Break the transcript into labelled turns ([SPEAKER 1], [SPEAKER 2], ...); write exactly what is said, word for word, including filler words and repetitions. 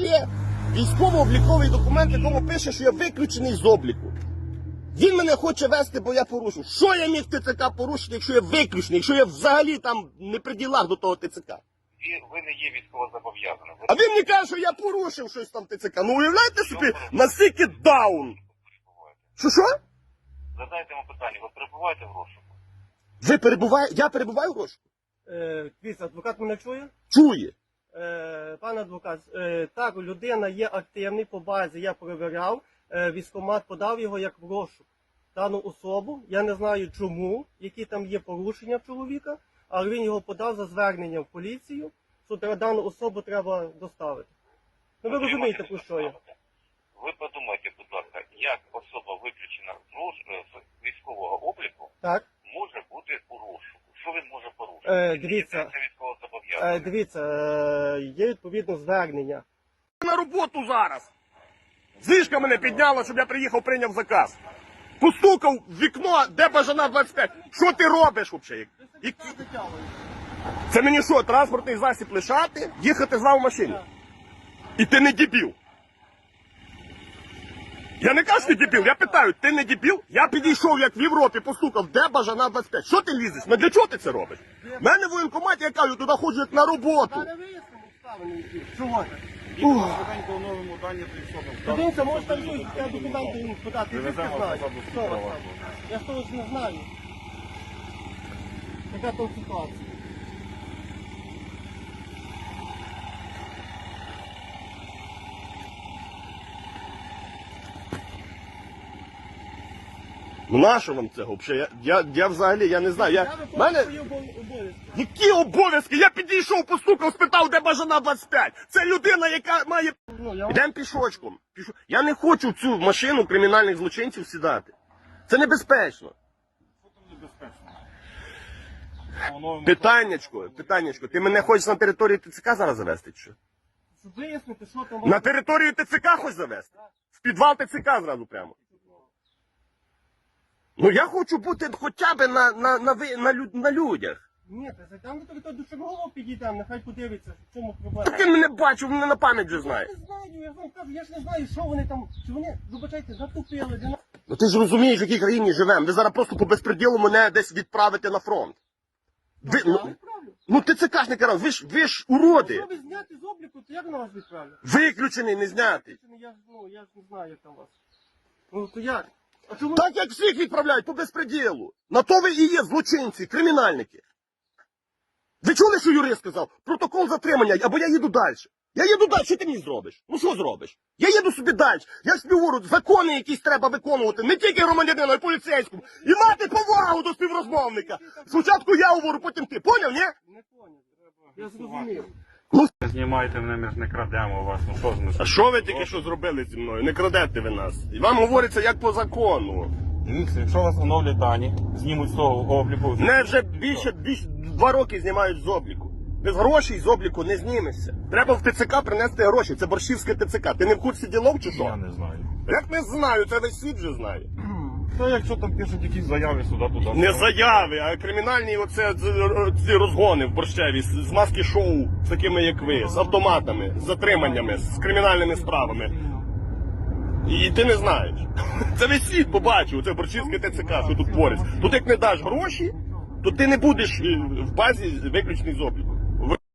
[SPEAKER 1] є військово-обліковий документ, в якому пише, що я виключений з обліку. Він мене хоче вести, бо я порушив. Що я міг ТЦК порушити, якщо я виключений, якщо я взагалі там не при ділах до того ТЦК?
[SPEAKER 2] Ви не є військовозобов'язаним.
[SPEAKER 1] А він мені каже, що я порушив щось там ТЦК. Ну уявляєте собі, наскільки даун. Що що?
[SPEAKER 2] Задайте йому питання, ви перебуваєте в розшуку?
[SPEAKER 1] Ви перебуваєте? Я перебуваю в розшуку?
[SPEAKER 3] Е, Дивіться, адвокат мене чує?
[SPEAKER 1] Чує.
[SPEAKER 3] Е, Пане адвокат, е, так, людина є активний по базі, я перевіряв, е, військкомат подав його як в розшук. Дану особу, я не знаю чому, які там є порушення в чоловіка, але він його подав за зверненням в поліцію, що треба- дану особу треба доставити. Ну ви розумієте, про що я?
[SPEAKER 2] Ви подумайте, будь ласка, як особа виключена з роз- з військового обліку
[SPEAKER 3] Так?
[SPEAKER 2] може бути у розшуку? Що він може порушити?
[SPEAKER 3] Е, дивіться.
[SPEAKER 2] Це військовозобов'язаний.
[SPEAKER 3] Е, дивіться, е, є відповідно звернення.
[SPEAKER 1] На роботу зараз. Зишка мене підняла, щоб я приїхав, прийняв заказ. Постукав в вікно, де бажана двадцять п'ять. Що ти робиш взагалі? Які- Це мені що, транспортний засіб лишати, їхати з вами в машині? І ти не дебіл. Я не кажу, що ти дебіл, я питаю, ти не дебіл? Я підійшов, як в Європі, постукав, де бажана двадцять п'ять. Що ти лізеш? Ну для чого ти це робиш? У мене в воєнкоматі, я кажу, туди ходжу як на роботу.
[SPEAKER 3] Зараз вияснимо обставини які. Чого так?
[SPEAKER 4] Швиденько оновимо дані прийшов.
[SPEAKER 3] Дивіться, може там щось, я документи йому подати, я не
[SPEAKER 4] Привеземо
[SPEAKER 3] знаю.
[SPEAKER 4] посаду
[SPEAKER 3] Що у вас
[SPEAKER 4] права.
[SPEAKER 3] там? Я ж того ж не знаю. Яка там ситуація?
[SPEAKER 1] Ну нащо вам це взагалі? Я, я, я взагалі, я не знаю. Я,
[SPEAKER 3] Я виконую
[SPEAKER 1] мене...
[SPEAKER 3] свої обов- обов'язки.
[SPEAKER 1] Які обов'язки? Я підійшов, постукав, спитав, де бажана двадцять п'ять. Це людина, яка має...
[SPEAKER 3] Ну, я вам-
[SPEAKER 1] Йдемо пішочком. Пішо... Я не хочу в цю машину кримінальних злочинців сідати. Це небезпечно. Питаннячко, питаннячко, ти мене хочеш на територію ТЦК зараз завести, чи що?
[SPEAKER 3] Щоб вияснити, що там...
[SPEAKER 1] На територію ТЦК хочеш завести? В підвал ТЦК зразу прямо. Ну я хочу бути хоча б на, на, на, ви- на, лю- на людях.
[SPEAKER 3] Ні, та зайдемо до того, до чергового підійдемо, нехай подивиться, в чому
[SPEAKER 1] Так
[SPEAKER 3] проблема.
[SPEAKER 1] ти мене бачив, мене на пам'ять вже
[SPEAKER 3] Я
[SPEAKER 1] знаєш.
[SPEAKER 3] не знаю, я ж вам кажу, я ж не знаю, що вони там, чи вони, вибачайте, затупили, де на...
[SPEAKER 1] Ну ти ж розумієш, в якій країні живемо. Ви зараз просто по безпреділу мене десь відправите на фронт. Ви,
[SPEAKER 3] Я
[SPEAKER 1] ну,
[SPEAKER 3] відправлю.
[SPEAKER 1] ну ТЦКшники раз, ви ж, ви ж уроди.
[SPEAKER 3] Якщо ви зняти з обліку, то як на вас відправлю?
[SPEAKER 1] Виключений, не знятий.
[SPEAKER 3] Я ж, ну, я ж не знаю, як там у вас. Ну, то як? А чому?
[SPEAKER 1] Так як всіх відправляють по безпреділу. На то ви і є злочинці, кримінальники. Ви чули, що юрист сказав? Протокол затримання, або я їду далі. Я їду далі, що ти мені зробиш? Ну що зробиш? Я їду собі далі. Я ж тобі говорю, закони якісь треба виконувати, не тільки громадянину, а й поліцейському. І мати повагу до співрозмовника. Спочатку я говорю, потім ти. Поняв, ні?
[SPEAKER 3] Не поняв. Я зрозумів.
[SPEAKER 4] Знімайте мене, ми ж не крадемо вас. Ну що ж ми?
[SPEAKER 1] А що ви тільки що зробили зі мною? Не крадете ви нас. І вам говориться як по закону.
[SPEAKER 4] Дивіться, якщо вас оновлять дані, знімуть з того обліку.
[SPEAKER 1] Мене вже більше, більше два роки знімають з обліку. Без грошей з обліку не знімешся. Треба в ТЦК принести гроші. Це борщівське ТЦК. Ти не в курсі ділов чи
[SPEAKER 4] Я
[SPEAKER 1] що?
[SPEAKER 4] не знаю.
[SPEAKER 1] Як не знаю, це весь світ вже знає.
[SPEAKER 4] Та якщо там пишуть якісь заяви сюди, туди.
[SPEAKER 1] Не заяви, а кримінальні оце ці розгони в борщеві з з маски шоу з такими як ви, з автоматами, з затриманнями, з кримінальними справами. І ти не знаєш. Це весь світ побачив, це борщівське ТЦК, що тут твориться. Тут як не даш гроші, то ти не будеш е, в базі виключений з обліку.